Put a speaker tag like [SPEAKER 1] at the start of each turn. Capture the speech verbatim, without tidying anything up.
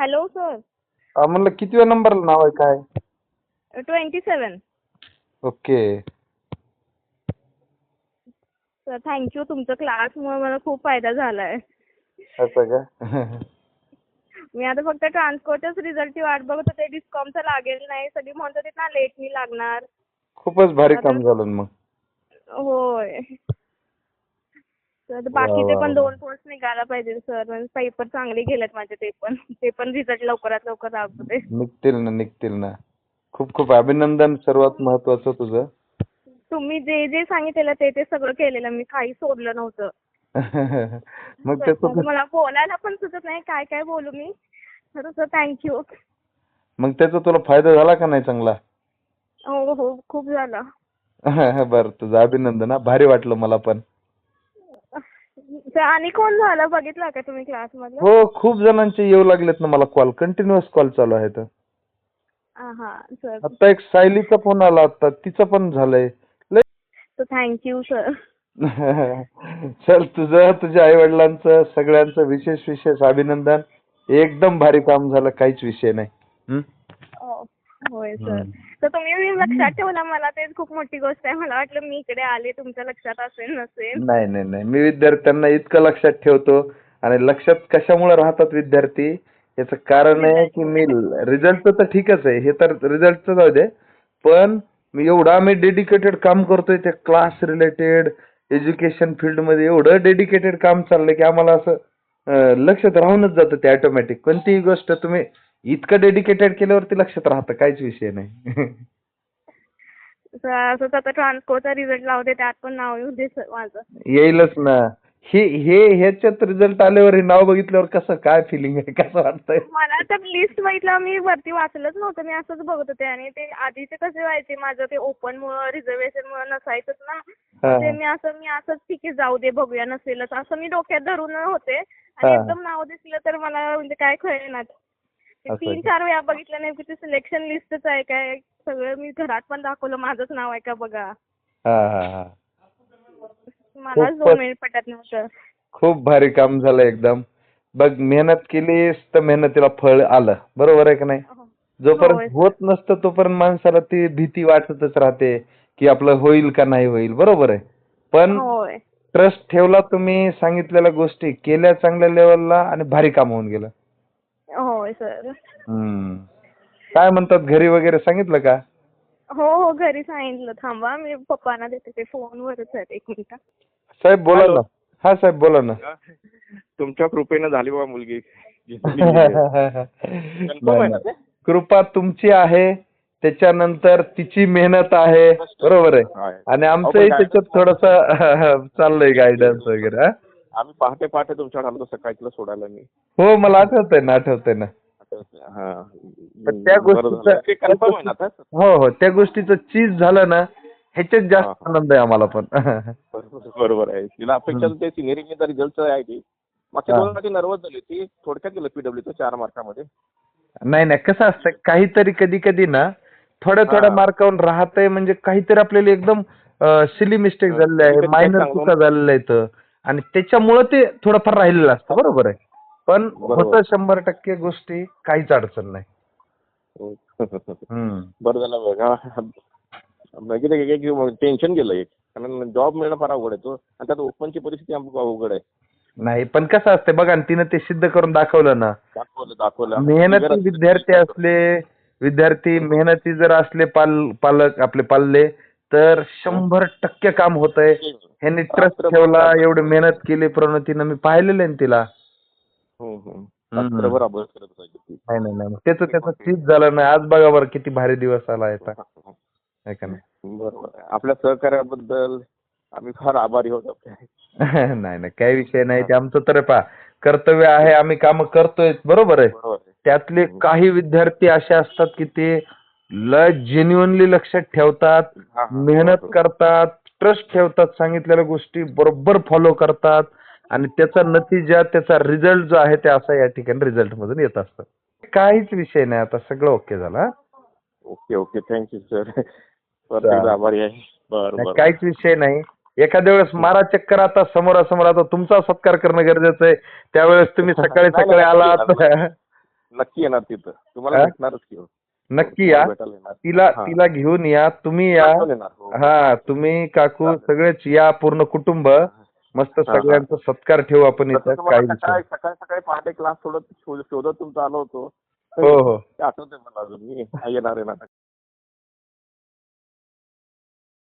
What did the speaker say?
[SPEAKER 1] Hello sir.
[SPEAKER 2] अं, म्हणलं कितव्या नंबरला नाव आहे काय?
[SPEAKER 1] Twenty seven.
[SPEAKER 2] Okay.
[SPEAKER 1] Sir thank you, तुमच्या क्लासमुळे मला खूप फायदा झालाय.
[SPEAKER 2] असं का?
[SPEAKER 1] मी आता फक्त ट्रान्सकोरच्याच रिझल्टची वाट बघत होते. डिस्कॉमचं लागेल नाही, सगळी म्हणत होते ना लेट मी लागणार.
[SPEAKER 2] खूपच भारी
[SPEAKER 1] आता-
[SPEAKER 2] काम झालं ना मग.
[SPEAKER 1] होय. तर
[SPEAKER 2] वा,
[SPEAKER 1] बाकीचे
[SPEAKER 2] वा,
[SPEAKER 1] पण
[SPEAKER 2] वा.
[SPEAKER 1] दोन पोस्ट निघायला पाहिजे सर. पेपर चांगले गेलेत माझे, ते पण ते पण रिझल्ट लवकरात लवकर राबवते.
[SPEAKER 2] निघतील ना निघतील ना. खूप खूप अभिनंदन सर्वात महत्वाचं तुझं.
[SPEAKER 1] तुम्ही जे जे सांगितलेलं ते ते सगळं केलेलं, मी काही सोडलं नव्हतं.
[SPEAKER 2] मग
[SPEAKER 1] सर,
[SPEAKER 2] त्याचं
[SPEAKER 1] मग मला बोलायला पण सुचत नाही काय काय बोलू मी. खरं सर थँक्यू.
[SPEAKER 2] मग त्याचा तुला फायदा झाला का नाही चांगला?
[SPEAKER 1] हो हो, खूप झाला.
[SPEAKER 2] बरं, तुझं अभिनंदन हा. भारी वाटलं मला पण.
[SPEAKER 1] सर, आणि कोण झालं बघितलं का तुम्ही क्लासमधलं?
[SPEAKER 2] हो, खूप जणांचे येऊ लागलेत ना मला कॉल. कंटिन्युअस कॉल चालू आहेत.
[SPEAKER 1] हा सर.
[SPEAKER 2] आता एक सायलीचा फोन आला आता, तिचं पण झालंय.
[SPEAKER 1] तर थँक्यू सर.
[SPEAKER 2] चल, तुझं तुझ्या आई वडिलांचं सगळ्यांचं विशेष विशेष अभिनंदन. एकदम भारी काम झालं, काहीच विषय नाही. हं?
[SPEAKER 1] हो, होय सर.
[SPEAKER 2] हं.
[SPEAKER 1] तर तुम्ही मी लक्षात ठेवला, मला तेच खूप मोठी गोष्ट आहे. मला वाटलं मी इकडे आले तुमच्या लक्षात असेल नसेल.
[SPEAKER 2] नाही नाही नाही, मी विद्यार्थ्यांना इतकं लक्षात ठेवतो. आणि लक्षात कशामुळे राहतात विद्यार्थी, याचं कारण आहे की मी रिझल्टचं तर ठीकच आहे, हे तर रिझल्टचं जाऊ दे, पण मी एवढा मी डेडिकेटेड काम करतोय त्या क्लास रिलेटेड एज्युकेशन फील्डमध्ये. एवढं डेडिकेटेड काम चाललंय की आम्हाला असं अं, लक्षात राहूनच जातं ते ऑटोमॅटिक. कोणतीही गोष्ट तुम्ही इतकं डेडिकेटेड केल्यावरती लक्षात राहतं, काहीच विषय नाही.
[SPEAKER 1] सर, असंच आता ट्रान्सकोचा रिझल्ट लावते, त्यात पण नाव येऊ दे सर माझं.
[SPEAKER 2] येईलच ना. हे हे ह्याच्यात रिझल्ट आल्यावर हे नाव बघितल्यावर कसं काय फिलिंग आहे, कसं वाटतंय?
[SPEAKER 1] मला तर लिस्ट बघितलं, मी वरती वाचलंच नव्हतं, मी असंच बघत होते. आणि ते आधीचे कसे व्हायचे, माझं ते ओपन मुळे रिझर्वेशन मुळे नसायचंच ना.
[SPEAKER 2] हा.
[SPEAKER 1] ते मी असं मी असंच ठीक आहे जाऊ दे बघूया, नसेलच असं मी डोक्यात धरून होते.
[SPEAKER 2] हा.
[SPEAKER 1] आणि एकदम नाव दिसलं तर मला म्हणजे काय कळेना. ते
[SPEAKER 2] असं
[SPEAKER 1] तीन
[SPEAKER 2] का?
[SPEAKER 1] चार वेळा बघितलं, नेमकी ते सिलेक्शन लिस्टच आहे काय सगळं. मी घरात पण दाखवलं माझंच नाव आहे का बघा.
[SPEAKER 2] हा हा हा.
[SPEAKER 1] मलाच दोन
[SPEAKER 2] खूपच
[SPEAKER 1] मिनिट पटत नव्हतं.
[SPEAKER 2] खूप भारी काम झालं एकदम. बघ, मेहनत केलीस तर मेहनतीला फळ आलं, बरोबर आहे का नाही?
[SPEAKER 1] हो. होय
[SPEAKER 2] जोपर्यंत
[SPEAKER 1] सर.
[SPEAKER 2] होत नसतं तोपर्यंत माणसाला ती भीती वाटतच राहते की आपलं होईल का नाही होईल, बरोबर आहे. पण
[SPEAKER 1] होय.
[SPEAKER 2] ट्रस्ट ठेवला तुम्ही, सांगितलेल्या गोष्टी केल्या चांगल्या लेवलला आणि भारी काम होऊन गेलं.
[SPEAKER 1] होय सर.
[SPEAKER 2] हम्म. काय म्हणतात घरी वगैरे, सांगितलं का?
[SPEAKER 1] हो हो, घरी सांगितलं. थांबा मी पप्पांना देते, ते फोनवरच आहेत, एक मिनिट.
[SPEAKER 2] साहेब बोला
[SPEAKER 3] हॅलो.
[SPEAKER 2] ना. हा साहेब बोला ना.
[SPEAKER 3] तुमच्या कृपेनं झाली बाबा मुलगी.
[SPEAKER 2] नाही,
[SPEAKER 3] आहे ना
[SPEAKER 2] नाही. कृपा तुमची आहे, त्याच्यानंतर तिची मेहनत आहे, बरोबर आहे.
[SPEAKER 3] आहे.
[SPEAKER 2] आणि
[SPEAKER 3] अहो,
[SPEAKER 2] आमचंही
[SPEAKER 3] पण
[SPEAKER 2] त्याच्यात थोडंसं चाललंय गायडन्स वगैरे. हा?
[SPEAKER 3] आम्ही पहाटे पहाटे तुमच्याकडे आलो होतो सकाळी, तुला सोडायला मी.
[SPEAKER 2] हो, मला आठवतंय ना आठवतंय ना.
[SPEAKER 3] हा.
[SPEAKER 2] पण त्या
[SPEAKER 3] बरं झालं. ते कन्फर्म आहे
[SPEAKER 2] गोष्टीचं
[SPEAKER 3] ना आता?
[SPEAKER 2] हो हो, त्या गोष्टीचं चीज झालं ना, ह्याच्यात जास्त आनंद आहे आम्हाला पण.
[SPEAKER 3] बरोबर बरोबर आहे. तिला अपेक्षा
[SPEAKER 2] हम्म.
[SPEAKER 3] ते सिनियरिंगचा रिझल्ट आहे ती. मागच्या
[SPEAKER 2] हा.
[SPEAKER 3] दोन मध्ये नर्वस झाली ती. थोडक्यात गेलं पीडब्ल्यूचं चार मार्कामध्ये.
[SPEAKER 2] नाही नाही, कसं असतं काहीतरी कधी कधी ना थोड्या थोड्या
[SPEAKER 3] हा.
[SPEAKER 2] मार्कावरून राहतंय, म्हणजे काहीतरी आपल्याला एकदम सिली मिस्टेक
[SPEAKER 3] हा.
[SPEAKER 2] झालेली आहे,
[SPEAKER 3] कधी-कधी काय
[SPEAKER 2] मायनर
[SPEAKER 3] सांगतो
[SPEAKER 2] चुका झालेल्या आहेत आणि त्याच्यामुळं ते थोडंफार राहिलेलं असतं, बरोबर आहे. पण
[SPEAKER 3] बरोबर.
[SPEAKER 2] होतं शंभर टक्के गोष्टी, काहीच अडचण नाही.
[SPEAKER 3] हो.
[SPEAKER 2] हम्म.
[SPEAKER 3] बरं झालं बघा. टेन्शन गेलं एक, कारण जॉब मिळणं फार अवघड आहे तो, आणि त्यात ओपनची परिस्थिती आमची अवघड आहे.
[SPEAKER 2] नाही, पण कसं असतं बघा ना, तिनं ते सिद्ध करून दाखवलं ना.
[SPEAKER 3] दाखवलं दाखवलं
[SPEAKER 2] मेहनती विद्यार्थी असले विद्यार्थी मेहनती जर असले पाल पालक आपले पाल्ले, तर शंभर टक्के काम होतंय. ह्यांनी ट्रस्ट ठेवला, एवढी मेहनत केली प्रणतीनं, मी पाहिलेलं आहे ना तिला.
[SPEAKER 3] हम्म, हम्म.
[SPEAKER 2] हम्म.
[SPEAKER 3] रात्रभर अभ्यास करत असायची ती.
[SPEAKER 2] नाही नाही नाही, त्याचं त्याचं चीज झालं नाही. आज बघा बरं किती भारी दिवस आला आहे आहे का नाही?
[SPEAKER 3] बरोबर आहे. आपल्या सहकार्याबद्दल आम्ही फार आभारी आहोत आपले.
[SPEAKER 2] नाही नाही, काही विषय नाही. ते आमचं तर पहा कर्तव्य आहे, आम्ही काम करतोय, बरोबर आहे.
[SPEAKER 3] बरोबर आहे.
[SPEAKER 2] त्यातले काही विद्यार्थी असे असतात की ते ल जेन्युअनली लक्षात ठेवतात,
[SPEAKER 3] हा, हा.
[SPEAKER 2] मेहनत करतात, ट्रस्ट ठेवतात, सांगितलेल्या गोष्टी बरोबर फॉलो करतात आणि त्याचा नतीजा, त्याचा रिझल्ट जो आहे ते असा या ठिकाणी रिझल्ट मधून येत असतं. काहीच विषय नाही, आता सगळं ओके झालं. हा?
[SPEAKER 3] Okay okay, thank you sir. परत आभारी आहे. बरं
[SPEAKER 2] नाही,
[SPEAKER 3] बरं.
[SPEAKER 2] काहीच विषय नाही. एखाद्या वेळेस मारा चक्कर, आता समोरासमोर. आता तुमचा सत्कार करणं गरजेचं आहे, त्यावेळेस तुम्ही सकाळी
[SPEAKER 3] नाही,
[SPEAKER 2] सकाळी
[SPEAKER 3] नाही,
[SPEAKER 2] आलात.
[SPEAKER 3] नाही. नक्की येणार तिथं तुम्हाला
[SPEAKER 2] हा?
[SPEAKER 3] भेटणारच की हो.
[SPEAKER 2] नक्की या,
[SPEAKER 3] भेटायला येणार.
[SPEAKER 2] तिला
[SPEAKER 3] हा.
[SPEAKER 2] तिला घेऊन या, तुम्ही या.
[SPEAKER 3] घेऊन येणार, हो.
[SPEAKER 2] हा, तुम्ही काकू
[SPEAKER 3] चालेल.
[SPEAKER 2] सगळेच या, पूर्ण कुटुंब. मस्त
[SPEAKER 3] हा, हा.
[SPEAKER 2] सगळ्यांचा सत्कार ठेवू आपण
[SPEAKER 3] तसं
[SPEAKER 2] इथं,
[SPEAKER 3] तुम्हाला
[SPEAKER 2] काही विषय
[SPEAKER 3] सकाळी सकाळी सकाळी पहाटे क्लास सोडत शोधत शोधत तुमचा आलो होतो.
[SPEAKER 2] हो हो
[SPEAKER 3] ते आठवतंय मला अजून मी येणार येणार